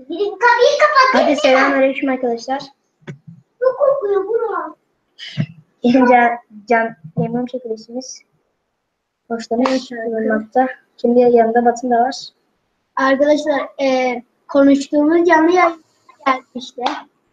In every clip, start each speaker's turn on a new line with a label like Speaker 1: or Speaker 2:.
Speaker 1: Gidin kapıyı kapatın.
Speaker 2: Hadi selamünaleyküm arkadaşlar.
Speaker 1: Çok kokuyor bura.
Speaker 2: Can memnun çekilişimiz. Hoşlanmış bulunmakta. Şimdi yanında Batın da var.
Speaker 1: Arkadaşlar konuştuğumuz canlı yayın geldi işte.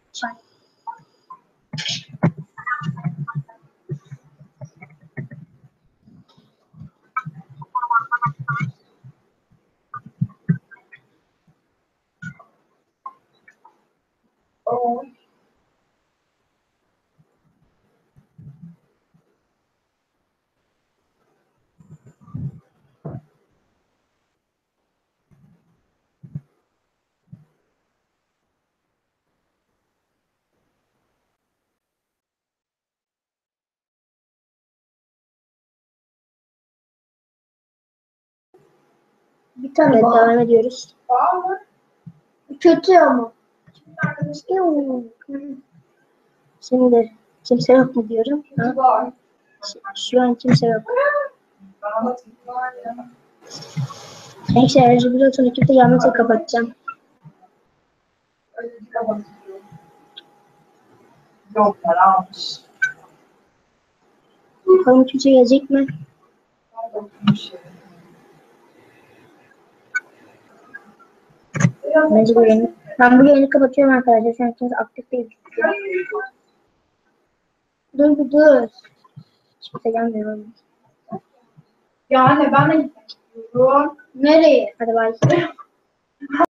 Speaker 1: Bir tane
Speaker 2: Evet,
Speaker 1: daha.
Speaker 2: devam ediyoruz.
Speaker 1: Kötü ama.
Speaker 2: Şimdi kimse yok mu diyorum. Ha? Şu an kimse yok. Neyse enerji biliyorsun ekipte yalnızca kapatacağım.
Speaker 3: Yok para almış.
Speaker 2: Bakalım kimse gelecek mi? Bence bu yayını. Ben bu yayını kapatıyorum arkadaşlar. Şu an kimse aktif değil.
Speaker 1: Dur bir dur.
Speaker 2: Hiç kimse gelmiyor.
Speaker 3: Yani ben de gidiyorum.
Speaker 1: Nereye?
Speaker 2: Hadi bay.